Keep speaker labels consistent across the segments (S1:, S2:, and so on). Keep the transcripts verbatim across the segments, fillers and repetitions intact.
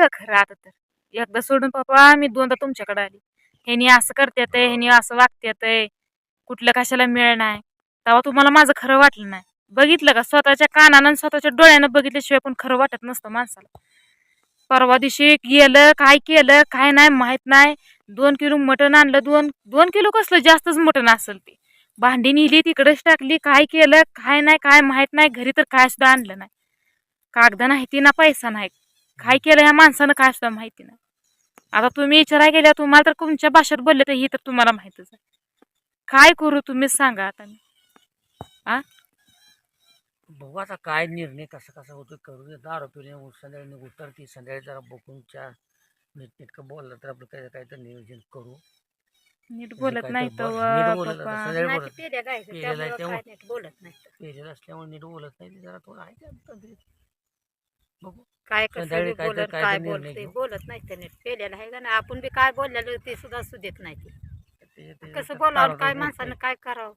S1: का खरं आता तर एकदा सोडून पप्पा मी दोनदा तुमच्याकडे आली. ह्यानी असं करतात ह्यानी असं वागतात कुठलं कशाला मिळ नाही तेव्हा तुम्हाला माझं खरं वाटलं नाही. बघितलं का स्वतःच्या कानानं आणि स्वतःच्या डोळ्यानं बघितल्याशिवाय पण खरं वाटत नसतं माणसाला. परवा दिवशी गेलं काय केलं काय नाही माहित नाही. दोन किलो मटण आणलं. दोन दोन किलो कसलं जास्तच मटण असेल ते. भांडी नेली तिकडेच टाकली. काय केलं काय नाही काय माहित नाही. घरी तर काय सुद्धा आणलं नाही. कागद नाही ती ना पैसा नाही. काय केलं ह्या माणसानं काय सुद्धा माहिती नाही. आता तुम्ही विचाराय गेल्या तुम्हाला तर तुमच्या भाषेत बोलले तर ही तर तुम्हाला माहितच आहे. काय करू तुम्हीच सांगा आता मी. आ
S2: बघू आता काय निर्णय कसा कसा होतो करू दे. दारू पिणे संध्याकाळी उतरती संध्याकाळी जरा बघून च्या नीटनेटकं बोललं तर आपलं काय काय तर नियोजन करू.
S1: नीट
S2: म्हणजे
S1: बोलत
S2: काय
S1: नाही
S2: तर
S1: तर
S2: बोल नीट बोलत
S1: पप्पा.
S2: आता संध्याकाळी
S3: नाही
S2: बोलत
S3: ते पेल्या गायचं
S2: पेलेलं
S3: त्यामुळं
S2: आहे
S3: काय
S2: त्यामुळे
S3: नीट बोलत नाही.
S2: पेलेलं असल्यामुळे नीट बोलत नाही. ते जरा थोडं आहे ते तंद्रीत. बघू
S3: काय कसं
S2: संध्याकाळी
S3: बी
S2: काय तर
S3: बोलत
S2: काय
S3: काय
S2: तर निर्णय
S3: बोलते
S2: घेऊ.
S3: बोलत नाही ते नीट पेल्याला आहे का नाही. आपण बी काय बोललेलं ते सुद्धा सुदेत नाही ते.
S2: ते- ते-
S3: कसं
S2: ते
S3: बोलावं
S2: तारा
S3: काय
S2: तर
S3: माणसानं
S2: बोलतंय.
S3: काय करावं.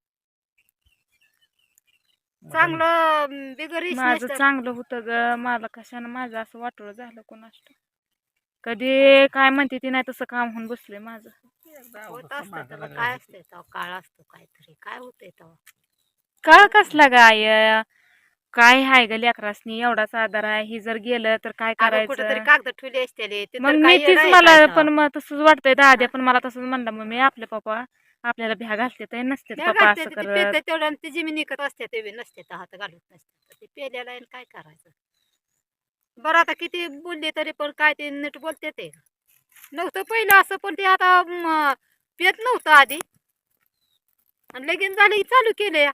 S2: मग
S3: चांगलं बिगर
S1: माझं
S3: तर
S1: चांगलं होतं ग. मला कशानं माझं असं वाटोळं झालं कोणास ठाऊक. कधी काय म्हणते ती नाही तसं काम होऊन बसले माझं.
S2: एकदा
S3: होत
S2: अवस्था
S3: असतं
S2: मागं
S3: तेव्हा
S2: लागली
S3: काय
S2: होती.
S3: असतंय तेव्हा काळ असतो काहीतरी काय होतंय तेव्हा.
S1: का कसला गाय काय हाय ग लेकरासनी एवढाच आधार आहे. ही जर गेलं तर काय
S3: अगं कुठेतरी
S1: करायचं.
S3: कागद ठेवले असते ते
S1: मग
S3: तर
S1: मी
S3: काही येडं
S1: तीच
S3: आहे
S1: मला
S3: काय तेव्हा.
S1: पण मग तसंच वाटतंय. दाद्या
S3: हा?
S1: पण मला तसंच म्हणलं मग मी आपले पप्पा आपल्याला भ्या घालते ते नसते
S3: त्या
S1: पप्पा
S3: घालते
S1: असं
S3: ते
S1: करत.
S3: पेते तेवढ्या ती जमीन निघत असते ते बी नसते तर हात घालत नसते ते पेल्याला आहे आणि काय करायचं. बरं आता किती बोलले तरी पण काय ते नीट बोलते ते नव्हतं पहिलं असं पण ते आता म, पेत नव्हतं आधी आणि लगीन झालं की चालू केले.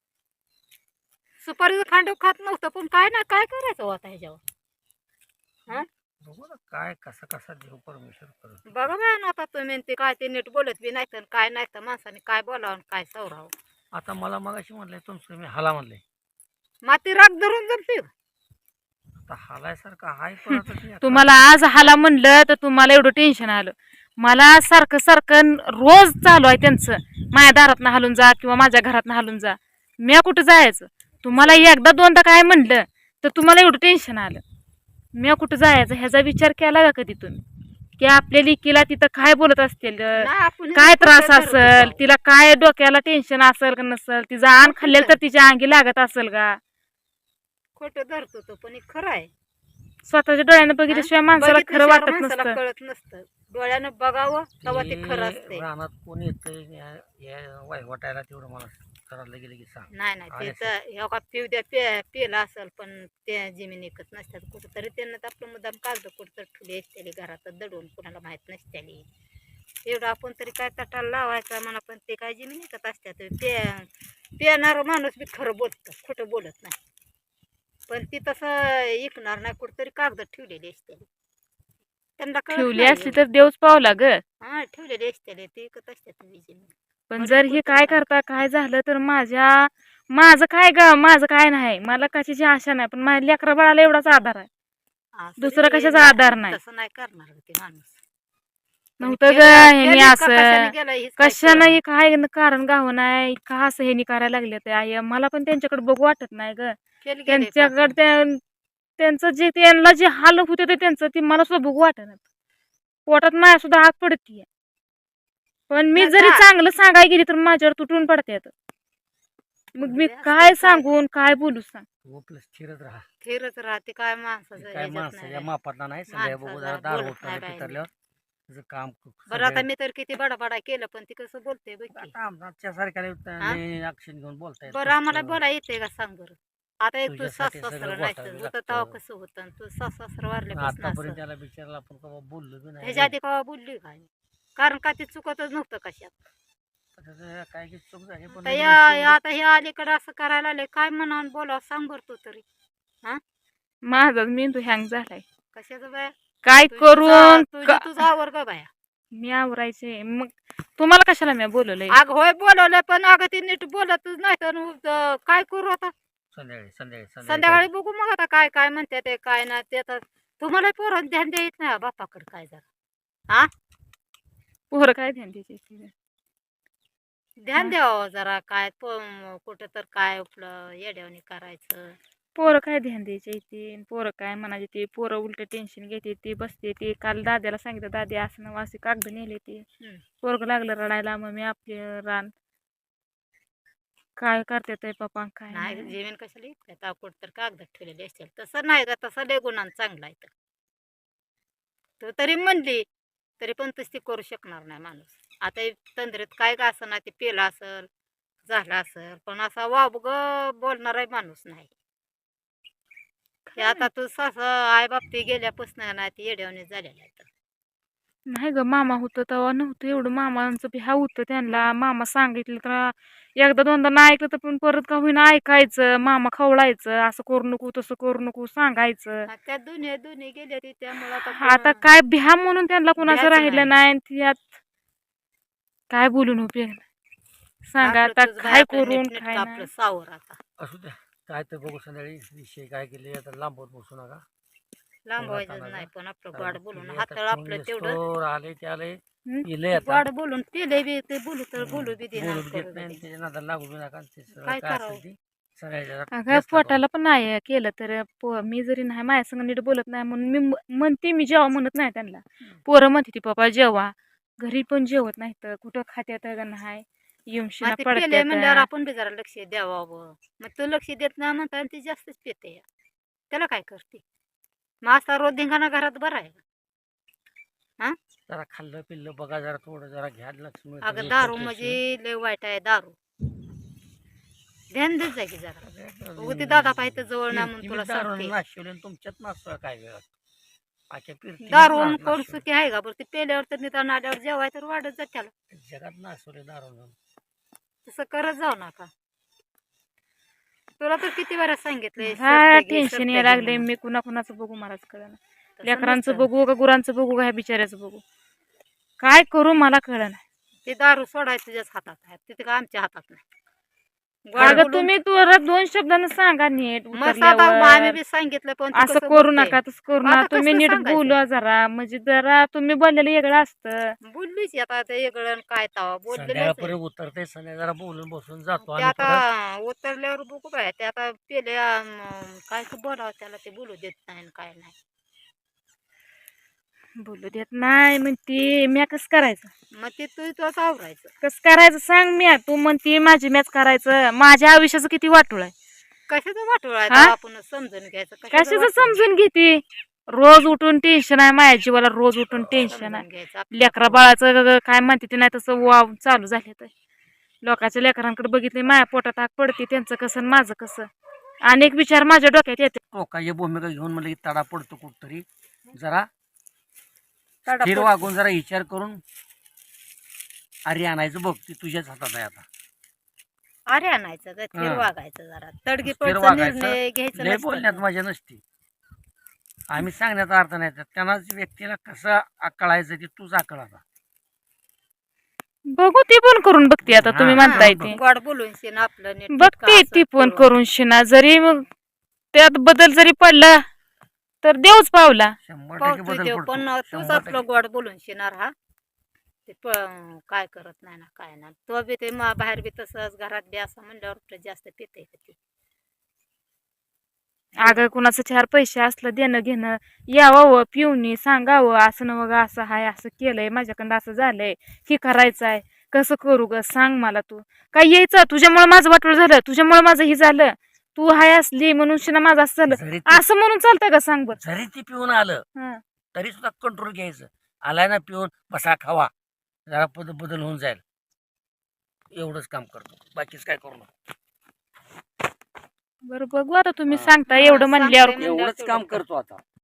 S3: सुपारीचं खांड खात नव्हतं पण काय ना काय करायचं हो आता ह्याच्यावर. हा
S2: बघू ना काय कसा कसा देव परमेश्वर करत.
S3: बघा मॅन आता तुम्ही ते काय ते नीट बोलत बी नाही तर काय नाही तर माणसाने काय बोलावं आणि काय सवरावं.
S2: आता मला मगाशी म्हणलंय तुमचं मी हाला म्हणलंय.
S3: माती राग धरून जमते.
S2: आता हालायसारखं हाय पण आता ते
S1: तुम्हाला आज हाला म्हणलं तर तुम्हाला एवढं टेन्शन आलं. मला सारखं सारखं रोज चालू आहे त्यांचं. माझ्या दारातनं हालून जा किंवा माझ्या घरातनं हालून जा. मी कुठं जायचं. तुम्हाला एकदा दोनदा काय म्हणलं तर तुम्हाला एवढं टेन्शन आलं. मी कुठं जायचं ह्याचा विचार केला का कधी तुम्ही की आपल्या लेकीला तिथं काय बोलत असतील
S3: नाही आपण
S1: काय त्रास
S3: खोटं धरत
S1: असेल
S3: होतो.
S1: तिला काय डोक्याला टेन्शन असेल का नसेल तिचं आण खाल्लेलं तर तिच्या अंगी लागत असेल का.
S3: खोटं धरत होतो पण हे खरं आहे.
S1: स्वतःच्या डोळ्यानं बघितल्याशिवाय माणसाला खरं
S3: बघितल्याशिवाय
S1: वाटत
S3: माणसाला
S1: नसतं.
S3: कळत नसतं. डोळ्यानं बघावं तेव्हा ते खरं
S2: ते
S3: असते.
S2: रानात कोण येतंय या वाटायला तेवढं मला करायला गेलं की सांग.
S3: नाही नाही ते
S2: आले
S3: तर ह्या का पिऊ द्या पे पेला असेल पण त्या जमीन एकत नसतात कुठंतरी त्यांना तर आपलं मुद्दाम कागद कुठं ठुले असते घरात दडून कुणाला माहीत नसते. एवढं आपण तरी काय तटाला लावायचा म्हणा पण ते काय जमीन एकत असतात. पे पेणारा माणूस बी खरं बोलतं खोटं बोलत नाही. पण ती तसं ऐकणार नाही कुठंतरी कागद ठेवलेली असते. त्यांना कळत
S1: ठेवली
S3: नाही
S1: असली
S3: एवढं.
S1: तर देवच पावला ग.
S3: हा ठेवलेली असते ते ऐकत असतात जमीन.
S1: पण
S3: म्हणून
S1: जर हे
S3: कुठंतरी
S1: काय
S3: काय
S1: करता काय झालं तर माझ्या माझं काय ग माझं काय नाही. मला कशाची आशा नाही पण माझ्या लेकरा बाळाला एवढाच आधार आहे.
S3: असं
S1: दुसरा
S3: बी
S1: कशाचा
S3: ना-
S1: आधार नाही.
S3: तसं नाही करणार ते माणूस. पण
S1: नव्हतं ग
S3: केलं-
S1: ह्यानी
S3: केलीत का
S1: असं
S3: कशाने गेलं हेच काय
S1: कशानं
S3: कळेना.
S1: हे काय कारण गाव नाही का असं ह्यानी करायला लागले ते आई मला पण त्यांच्याकडे बघू वाटत नाही ग.
S3: केलं गेलंय का
S1: त्यांच्याकडे
S3: असं?
S1: त्या- त्यांचं जे त्यांना जे हाल होते ते त्यांचं ती मला सुद्धा बघू वाटत पोटात माझ्या सुद्धा आग पडतीये. पण मी
S3: नाही
S1: जरी
S3: का?
S1: चांगलं सांगाय गेली तर माझ्यावर तुटून पडते. मग मी
S3: बे असतंय
S1: काय
S3: काय
S1: सांगून काय बोलू सांग.
S2: तू आपलं स्थिरच राहा.
S3: फिरत राहते काय माणसाचं
S2: काय
S3: ह्याच्यात
S2: माणसाच्या
S3: नाही.
S2: मापातला नाही संध्या बघू जरा
S3: माणसाचा
S2: दार
S3: बोलत
S2: होतं
S3: नाही बाई
S2: पितरल्यावर तुझं काम
S3: बरं आता मी तर किती बडाबडा केलं पण ती कसं बोलते बघ की.
S2: आता आमच्या सारख्याला ऍक्शन घेऊन बोलता येत
S3: बरं आम्हाला
S2: नसतं.
S3: बोला येते का सांग बरं. आता एक तू
S2: तुझ्यासाठी
S3: सास
S2: सगळं
S3: सासरं
S2: गोठावी
S3: नाही होतं
S2: लागतं.
S3: तेव्हा कसं होतं आणि तू सास सासरं वारल्यापासून
S2: आतापर्यंत
S3: असं
S2: त्याला बिचारला आपण कवा बोललो बी नाही
S3: ह्याच्या आधी केव्हा बोलली काय कारण का ती चुकतच नव्हतं कशात.
S2: आता काय की चूक झाली पण
S3: आता
S2: लगेच
S3: या
S2: शेवटी
S3: या- आता हे अलीकडे असं करायला आले काय म्हणावून बोलावं सांग बरं तू तरी. हा
S1: माझा मेंदू हँग झालाय.
S3: कशाचं बाया
S1: काय
S3: तुझी तुझा
S1: करून
S3: तुझी
S1: का-
S3: तुझा आवर का बाया.
S1: मी आवरायचे मग तुम्हाला कशाला मी बोलवलंय.
S3: अग होय बोलवलं पण अगं ती नीट बोलतच नाही तर अं, काय करू आता.
S2: संध्याकाळी संध्याकाळी
S3: संध्याकाळी बघू मग आता काय काय म्हणते ते काय नाही ते तर तुम्हाला पोरण ध्यान द्यायच नाही बापाकडे काय जरा. हा
S1: पोरं काय ध्यान द्यायचे.
S3: ध्यान
S1: हा.
S3: द्यावं जरा काय प- कुठं तर काय आपलं येड्यावणी करायचं
S1: पोरं काय ध्यान द्यायचे इथे, पोरं काय म्हणायचे ते, पोरं उलट टेन्शन घेते ते, बसते ते. काल दाद्याला सांगितलं, दादी असं नवं असे कागद नेले ते.
S3: हम्म.
S1: पोरग लागलं रडायला, मग मी आपले रान काय करते ते पप्पा काय
S3: नाही
S1: नाही.
S3: जेवण कशाला इतक्या ताकूड तर कागदात ठेवलेले असतील. तसं नाही का, तसं लय गुणांना चांगला आहे तर. तो तरी म्हणली तरी पण तशी करू शकणार नाही माणूस. आता हे तंद्रीत काय का असं ना ते पेला असल झाला असल, पण असा वाब ग बोलणारा माणूस नाही. ते आता तू सास आई बाप ते गेल्यापासून नाही ते येड्यावणी झालेला आहे तर.
S1: नाही ग, मामा होतं तेव्हा नव्हतं एवढं. मामांचं बी हा होतं त्यांना. मामा सांगितलं तर एकदा दोनदा नाही ऐकलं तर पण परत का होईना ऐकायचं. मामा खवळायचं, असं करू नको तसं करू नको सांगायचं.
S3: हा, त्या दुनिया दुनी गेल्या ते त्यामुळे आता
S1: आता
S3: कोण-
S1: काय भ्या म्हणून त्यांना कुणाचं
S3: भ्याच
S1: राहिलं नाही. आणि त्यात काय बोलून उपयोग नाही. सांगा
S3: आपलं
S1: आता
S3: तुझं बाई
S1: काय
S3: आपलं
S1: करून
S3: नीटनेटकं
S1: काय
S3: आपलं
S1: नाही.
S3: सावर आता
S2: असू द्या, काय तर बघू संध्याकाळी विषय काय केले आता लांबवत बसू नका.
S3: लांबवायचं
S2: चालायचं.
S3: नाही, पण आपलं
S2: कारण
S3: गोड बोलून
S2: पिले आता
S3: हाताळ
S2: कोण
S3: आपलं तेवढं
S2: येस्तोर आले ते आले
S1: हं?
S2: पिले आता
S3: गोड बोलून पिले बी ते बोलू तर बोलू बी देणार
S2: बोलून
S3: करू
S2: घेत
S3: बी
S2: नाही आणि
S3: देणार.
S2: त्याच्या नादाला लागू बी नका आणि ते सगळं
S3: काय
S2: काय
S3: करावं?
S2: असेल ते सगळ्याच्या
S1: अगं
S2: जास्त करू.
S1: पोटाला पण नाही केलं तर पो- मी जरी नाही माझ्या संग नीट बोलत नाही म्हणून मी म- म्हणते मी जेव्हा म्हणत नाही त्यांना. पोरं म्हणते ती पप्पा जेवा, घरी पण जेवत नाही तर कुठं खात्यात का नाही येऊन
S3: मग
S1: शिना
S3: ते पेले म्हणल्यावर
S1: पडत्यात.
S3: आपण बी जरा लक्ष द्यावं. मग तू लक्ष देत नाही म्हणता ती जास्तच पेते. त्याला काय करते मग असा रोज धिंगाणा घरात बरा आहे.
S2: जरा खाल्लं पिल्लं बघा, जरा थोडं जरा घ्या लक्ष्मी
S3: अगं दारू म्हणजे लय वाईट आहे दारू. ध्यान देत जा की जरा. उगं ते दादा पाहिजे जवळ ना म्हणून तुला सांगते.
S2: नाशिवले तुमच्यात नासवा काय वेळ पाक्या फिरती
S3: दारू कोण सुखी आहे का बरं? ते पेल्यावर तर निदान आल्यावर जेवाय तर वाढत जात त्याला.
S2: जगात नासवले दारू.
S3: तसं करत जाऊ नका. तुला तर किती वेळा सांगितलंय
S1: हा
S3: सरते घे,
S1: टेन्शन
S3: सरते
S1: यायला
S3: घे
S1: लागले.
S3: म्हणून.
S1: मी कुणा कुणाचं बघू मलाच कळलं.
S3: तसं
S1: लेकरांचं
S3: नसतं.
S1: बघू का गुरांचं बघू का ह्या बिचाऱ्याचं बघू, काय करू मला कळलं नाही.
S3: ते दारू सोडायचं तुझ्याच हातात आहे, तिथे का आमच्या हातात नाही. गोड
S1: अगं
S3: बोलून-
S1: तुम्ही तुला दोन शब्दानं सांगा नीट
S3: मग साधा आम्ही
S1: उतरल्यावर.
S3: बी सांगितलं पण ती
S1: असं
S3: कसं
S1: करू
S3: बोलते.
S1: नका तसं करू
S3: मग
S1: नका.
S3: आता
S1: तुम्ही
S3: कसं
S1: नीट
S3: सांगायचं?
S1: बोला जरा, म्हणजे जरा तुम्ही बोललेलं वेगळं असतं.
S3: बोललीच आता ते वेगळं काय तवा बोललेलं
S2: संध्याकाळपर्यंत उतरते, संध्याकाळी जरा बोलून बसून जातो
S3: ते
S2: आम्ही परत.
S3: आता उतरल्यावर बघू काय ते आता पेले काय तर बोलावं त्याला ते बोलू देत नाही आणि काय नाही.
S1: बोलू देत नाही म्हणते, म्या कसं करायचं?
S3: मग ते तू तुझं आवरायचं.
S1: कसं करायचं सांग. म्या तू म्हणते माझी मॅच करायचं. माझ्या आयुष्याचं किती वाटोळ आहे.
S3: कशाचं वाटोळ आहे
S1: हा?
S3: तेव्हा आपण समजून घ्यायचं. कशाचं
S1: कशाचं
S3: वाटोळ?
S1: समजून घेते. रोज उठून टेन्शन आहे माझ्या जीवाला, रोज उठून टेन्शन
S3: समजून
S1: आहे.
S3: घ्यायचं आपलं
S1: लेकरा
S3: आपलं.
S1: बाळाचं ग- काय म्हणते ते नाही तसं वाव चालू झाले तर. लोकांच्या लेकरांकडे बघितले, माझ्या पोटात आग पडते, त्यांचं कसं आणि माझं कसं. अनेक विचार माझ्या डोक्यात येते.
S2: टोकाची भूमिका घेऊन म्हणलं की तडा पडतो कुठतरी. जरा
S3: तडा
S2: स्थिर
S3: पड-
S2: वागून जरा विचार करून अरे आणायचं बघ, ती तुझ्याच हातात आहे आता.
S3: अरे आणायचं का स्थिर
S2: हा.
S3: वागायचं जरा. तडगी
S2: स्थिर
S3: पडचा
S2: वागायचं.
S3: निर्णय घ्यायचा
S2: लय बोलण्यात
S3: नसतं.
S2: मजा नसते. आम्ही सांगण्याचा अर्थ नाही, त्यांनाच व्यक्तीला कसं आकळायचं ते तूच आकळ आता.
S1: बघू ती पण करून बघते आता तुम्ही
S2: हा,
S1: म्हणताय
S2: हा,
S1: ते.
S3: गोड बोलून शिन आपलं नीट
S1: बघते ती पण करून शिना. जरी मग त्यात बदल जरी पडला तर देवच पावला.
S2: शंभर टक्के
S3: पावतो
S2: बदल
S3: देव
S2: पडतो.
S3: पण तूच
S2: शंभर
S3: आपलं
S2: टक्के.
S3: गोड बोलून शिणार हा. ते प- काय करत नाही ना काय ना तो बी ते मा- बाहेर बी तसंच घरात बी असं म्हणल्यावर आपलं जास्त पिते का ते.
S1: अगं कुणाचं चार पैसे असलं देणं घेणं, यावं पिऊनी सांगावं असं न बघा असं हाय, असं केलंय माझ्याकडं, असं झालंय, हे करायचं आहे, कसं करू ग सांग मला. तू काय यायचं तुझ्यामुळे माझं वाटोळ झालं, तुझ्यामुळे माझं हे झालं, तू हाय असली म्हणून शिना माझं असं झालं,
S2: जरी ते-
S1: असं म्हणून चालतंय का सांग बरं.
S2: जरी ती पिऊन आलं
S1: हं.
S2: तरी सुद्धा कंट्रोल घ्यायचं. आलाय ना पिऊन, बसा खावा, जरा बदल बदल होऊन जाईल. एवढंच काम करतो, बाकीच काय करू नका.
S1: बरं बघू आता तुम्ही
S2: हा.
S1: सांगता
S3: हा,
S1: एवढं म्हणल्यावर.
S3: सांगते.
S2: एवढंच काम करतो आता.